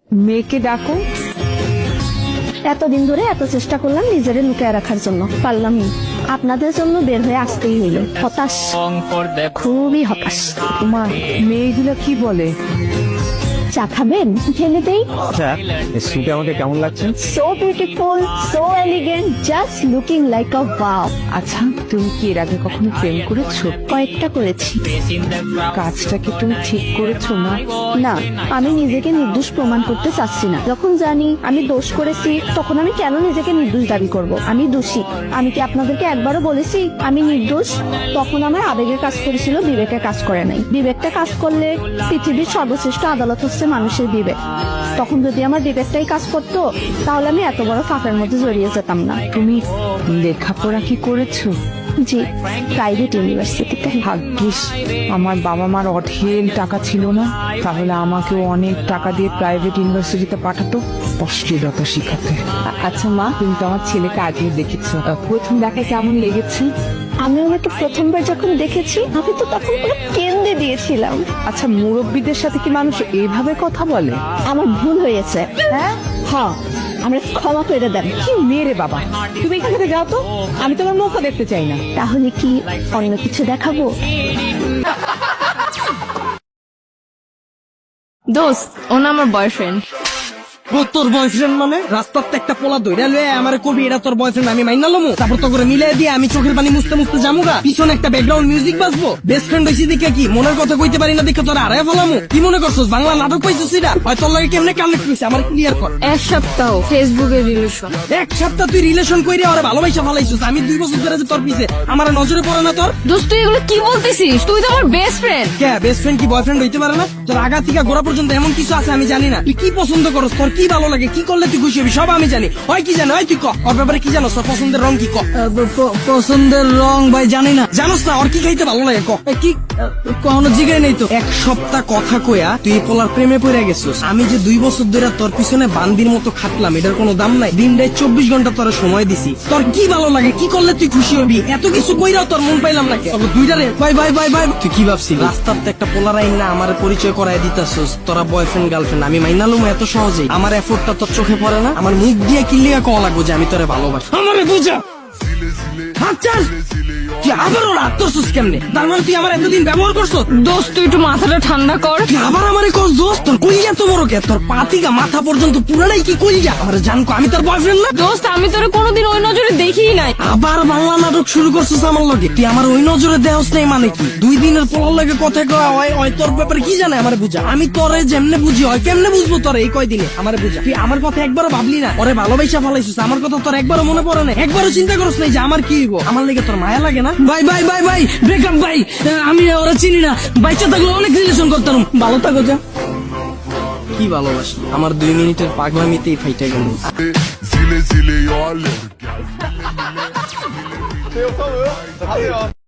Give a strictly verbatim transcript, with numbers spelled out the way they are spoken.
মেয়েকে ডাকো। এতদিন ধরে এত চেষ্টা করলাম নিজেরে লুকিয়ে রাখার জন্য, পারলাম না। আপনাদের জন্য বের হয়ে আসতেই হইল। হতাশ, খুবই হতাশ। তোমার মেয়েগুলো কি বলে? চা খাবেন? ঢেলে দেই। আচ্ছা, এই স্যুটে আমাকে কেমন লাগছে? So beautiful, so elegant, just looking like a wow. আচ্ছা, তুমি কি এর আগে কখনো প্রেম করেছো? কয়েকটা করেছি। কাজটা কি তুমি ঠিক করেছো না? না, আমি নিজেকে নির্দোষ প্রমাণ করতে চাচ্ছি না। যখন জানি আমি দোষ করেছি, তখন আমি কেন নিজেকে নির্দোষ দাবি করব? আমি দোষী। আমি কি আপনাদেরকে একবারও বলেছি আমি নির্দোষ? তখন আমার আবেগে কাজ করেছিল, বিবেকে কাজ করে নাই। বিবেকটা কাজ করলে পৃথিবীর সর্বশ্রেষ্ঠ আদালত হচ্ছে মানুষের বিবেক। তখন যদি আমার বিবেকটাই কাজ করতো, তাহলে আমি এত বড় ফাঁকের মধ্যে জড়িয়ে যেতাম না। তুমি লেখাপড়া কি করেছো? জি, প্রাইভেট ইউনিভার্সিটিতে। ভাগ্যিস আমার বাবা মার অঢেল টাকা ছিল না, তাহলে আমাকেও অনেক টাকা দিয়ে প্রাইভেট ইউনিভার্সিটিতে পাঠাতো অশ্লীলতা শিখাতে। আ- আচ্ছা মা, তুমি তো আমার ছেলেকে আগে দেখেছো, আহ, প্রথম দেখায় কেমন লেগেছে? আমি ওনাকে প্রথমবার যখন দেখেছি, আমি তো তখন পুরো কেন্দ্রে দিয়েছিলাম। আচ্ছা, মুরব্বীদের সাথে কি মানুষ এইভাবে কথা বলে? আমার ভুল হয়েছে। হ্যাঁ, হ্যাঁ, আমরা ক্ষমা করে দেন। কি মেরে বাবা, তুমি এখান থেকে যাও তো, আমি তোমার মুখও দেখতে চাই না। তাহলে কি অন্য কিছু দেখাবো? দোস্ত, ও না আমার বয়ফ্রেন্ড। তোর বয়ফ্রেন্ড মানে রাস্তাতে একটা পোলা দইরা লয়ে আমারে কবি এটা তোর বয়ফ্রেন্ড, আমি মাইনা লমু, তারপর তো করে মিলাই দিয়ে আমি চোখের পানি মুছতে মুছতে জামুগা, পিছনে একটা ব্যাকগ্রাউন্ড মিউজিক বাজবো। বেস্ট ফ্রেন্ড হইছি দেখে কি মনের কথা কইতে পারি না দেখে তোর আড়াই ফেলামু? কি মনে করছস বাংলা নাটক পাইছিস? এটা হয় তোর লাগে কেমনে কানেক্ট হইছে আমার ক্লিয়ার কর। এক সপ্তাহ ফেসবুকের রিলেশন। এক সপ্তাহ তুই রিলেশন কইরে ওরে ভালোবাসা ফেলাইছিস, আমি দুই বছর ধরে যে তোর পিছে আমার নজরে পড়ে না তোর? দোস্ত, তুই এগুলো কি বলতেছিস? তুই তো আমার বেস্ট ফ্রেন্ড। কে বেস্ট ফ্রেন্ড কি বয়ফ্রেন্ড হইতে পারে না? তোর আগা থেকে গোড়া পর্যন্ত এমন কিছু আছে আমি জানি না। তুই কি পছন্দ করস, তোর কি ভালো লাগে, কি করলে তুই খুশি হবি সব আমি জানি। হয় কি জানো, হয় তুই ক ওর ব্যাপারে কি জানো, তোর পছন্দের রং কি ক? পছন্দের রং ভাই জানি না। জানোস না ওর কি খাইতে ভালো লাগে ক? কি কখনো জিগাই নেই তো। এক সপ্তাহ কথা কইয়া তুই এই পোলার প্রেমে পড়ে গেছিস। আমি যে দুই বছর ধরে তোর পিছনে বান্দির মতো খাটলাম, এটার কোনো দাম নাই। দিনটায় চব্বিশ ঘন্টা তোর সময় দিছি। তোর কি ভালো লাগে, কি করলে তুই খুশি হবি, এত কিছু কইরাও তোর মন পাইলাম না। দুইটারে বাই বাই বাই বাই। তুই কি ভাবছিস রাস্তাতে একটা পোলার আইন না আমার পরিচয় করাই দিতাছস? তোরা বয়ফ্রেন্ড গার্লফ্রেন্ড আমি মাইনালুম এত সহজেই? আমার এফোর্টটা তোর চোখে পড়ে না? আমার মুখ দিয়ে কিল্লিয়া কওয়া লাগবো যে আমি তোরে ভালোবাসি? আমারে বুঝা আচ্ছা, তুই আবার ওর আত্মসুস কেমনে? তার মানে তুই আমার এতদিন ব্যবহার করছো? দোস্ত, তুই একটু মাথাটা ঠান্ডা কর। তুই আবার আমারে কস দোস্ত? তোর কইয়া তো বড় কে? তোর পাতিকা মাথা পর্যন্ত পুরাটাই কি কইয়া? আমার জানকো আমি তোর বয়ফ্রেন্ড না? দোস্ত, আমি তোরে কোনোদিন ওই নজরে দেখিই নাই। আবার বাংলা নাটক শুরু করছিস আমার লগে। তুই আমার ওই নজরে দেহস নাই মানে কি? দুই দিনের পোলার লগে কথা কওয়া হয় হয় তোর ব্যাপারে কি জানে আমারে বুঝা? আমি তোরে যেমনে বুঝি হয় কেমনে বুঝবো তোরে এই কয়দিনে? আমারে বুঝা। তুই আমার কথা একবারও ভাবলি না? ওরে ভালোবাসা ফেলাইছিস, আমার কথা তোর একবারও মনে পড়ে না? একবারও চিন্তা করছ নাই যে আমার কি হইব? আমার লেগে তোর মায়া লাগে না? Bye bye bye bye, breakup bye. আমি ওরা চিনি না, বাইচা থাকলে অনেক রিলেশন করতাম। ভালো থাকো যা। কি ভালোবাসি আমার দুই মিনিটের পাগলামিতেই ফাইটা গেল। Zile zile eu alerg.